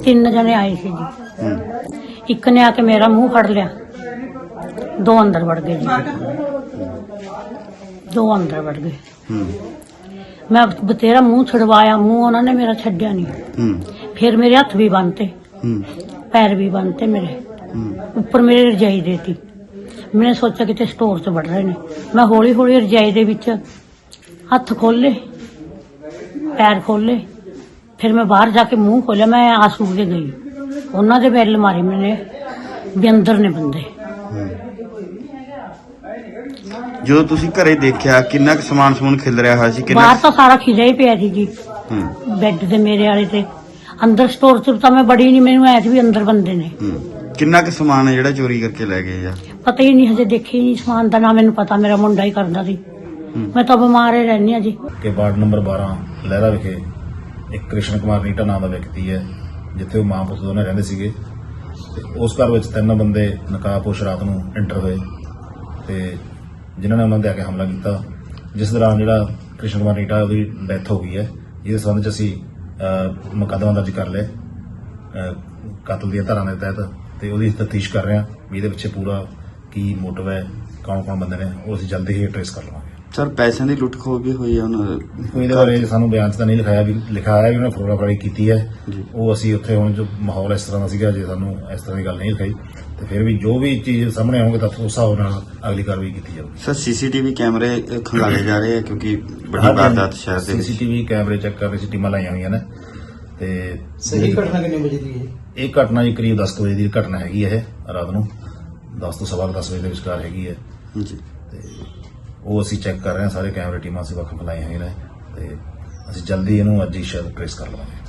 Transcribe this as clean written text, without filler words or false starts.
3 जने आए थे जी। एक ने आके मेरा मुंह फड़ लिया, 2 अंदर बढ़ गए जी, 2 अंदर बढ़ गए। मैं बतेरा मुंह छुड़वाया, मुंह उन्होंने मेरा छड्या नहीं। फिर मेरे हथ भी बनते, पैर भी बनते मेरे, ऊपर मेरे रजाई देती। मैंने सोचा कि स्टोर च बढ़ रहे ने। मैं हौली हौली रजाई दे विच हथ खोले, पैर खोले, फिर मैं बाहर जाके मुंह खोलिया। मैं आंसू के गई, उन्होंने बैल मारे मैंने भी अंदर ने बंदे। जो तुसी घरे देखिया किन्ना समान समून खिल रहा होया सी? बाहर तो सारा खिजा ही पिया थी जी, बैड ते मेरे वाले ते। अंदर स्टोर च तो मैं बड़ी नहीं, मैनू ऐ भी अंदर बंदे ने। किन्ना क समान है जेड़ा चोरी करके ले गए? या पता ही नहीं, हजे देखी नहीं समान का ना मैनू पता, मेरा मुंडा ही करदा सी। मैं तो बीमार ही रहनी जी। कि वार्ड नंबर 12 लहरा विखे एक कृष्ण कुमार नीटा नाम का व्यक्ति है, जिथे वो मां पुत दोने रहंदे सीगे। ते उस घर विच 3 बंदे नकाबपोश रात नूं एंटर होए ते जिन्हां ने उन्हां दे आके हमला किया, जिस दौरान जिहड़ा कृष्ण कुमार नीटा उहदी डैथ हो गई है। इस संबंध च असीं मुकदमा दर्ज कर लिया कतल दी धारां दे तहत, ते उहदी तफ्तीश कर रहे हैं भी इहदे पिछे पूरा की मोटिव है, कौन कौन बंदे ने, वो असीं जल्दी ही ट्रेस कर लवांगे। सर पैसों की लुट खो भी हुई है उन्होंने? ਇਹਦੇ ਬਾਰੇ ਸਾਨੂੰ ਬਿਆਨ 'ਚ ਤਾਂ ਨਹੀਂ ਲਿਖਾਇਆ, ਵੀ ਲਿਖਾਇਆ ਵੀ ਉਹਨੇ ਫੋਟੋਗ੍ਰਾਫੀ ਕੀਤੀ ਹੈ। ਉਹ ਅਸੀਂ ਉੱਥੇ ਹੁਣ ਜੋ ਮਾਹੌਲ ਇਸ ਤਰ੍ਹਾਂ ਦਾ ਸੀਗਾ, ਜੇ ਸਾਨੂੰ ਇਸ ਤਰ੍ਹਾਂ ਦੀ ਗੱਲ ਨਹੀਂ ਲਿਖਾਈ ਤੇ ਫਿਰ ਵੀ ਜੋ ਵੀ ਚੀਜ਼ ਸਾਹਮਣੇ ਆਉਣਗੇ ਤਾਂ ਉਸ ਹਿਸਾਬ ਨਾਲ ਅਗਲੀ ਕਾਰਵਾਈ ਕੀਤੀ ਜਾਊਗੀ। सर सीसीटीवी कैमरे खंगाले जा रहे हैं क्योंकि बड़ी वारदात शहर दे विच। ਸੀਸੀਟੀਵੀ ਕੈਮਰੇ ਚੈੱਕ ਕਰ ਰਹੇ ਸੀ, ਟੀਮਾਂ ਲਾਈਆਂ ਹੋਈਆਂ ਨੇ ਤੇ ਸਹੀ ਘਟਨਾ ਕਿੰਨੇ ਵਜੇ ਦੀ ਹੈ? ਇਹ ਘਟਨਾ ਜੀ ਕਰੀਬ 10 ਵਜੇ ਦੀ ਘਟਨਾ ਹੈਗੀ ਹੈ। ਇਹ ਰਾਤ ਨੂੰ 10 ਤੋਂ ਸਵਾ 10 ਵਜੇ ਦੇ ਵਿਚਕਾਰ ਹੈਗੀ ਹੈ जी। ਤੇ ਉਹ ਅਸੀਂ ਚੈੱਕ ਕਰ ਰਹੇ ਹਾਂ, ਸਾਰੇ ਕੈਮਰੇ ਟੀਮਾਂ ਅਸੀਂ ਵੱਖ ਲਾਈਆਂ ਹੋਈਆਂ ਨੇ ਤੇ ਅਸੀਂ ਜਲਦੀ ਇਹਨੂੰ ਅੱਜ ਹੀ ਸ਼ਾਇਦ ਟ੍ਰੇਸ ਕਰ ਲਵਾਂਗੇ।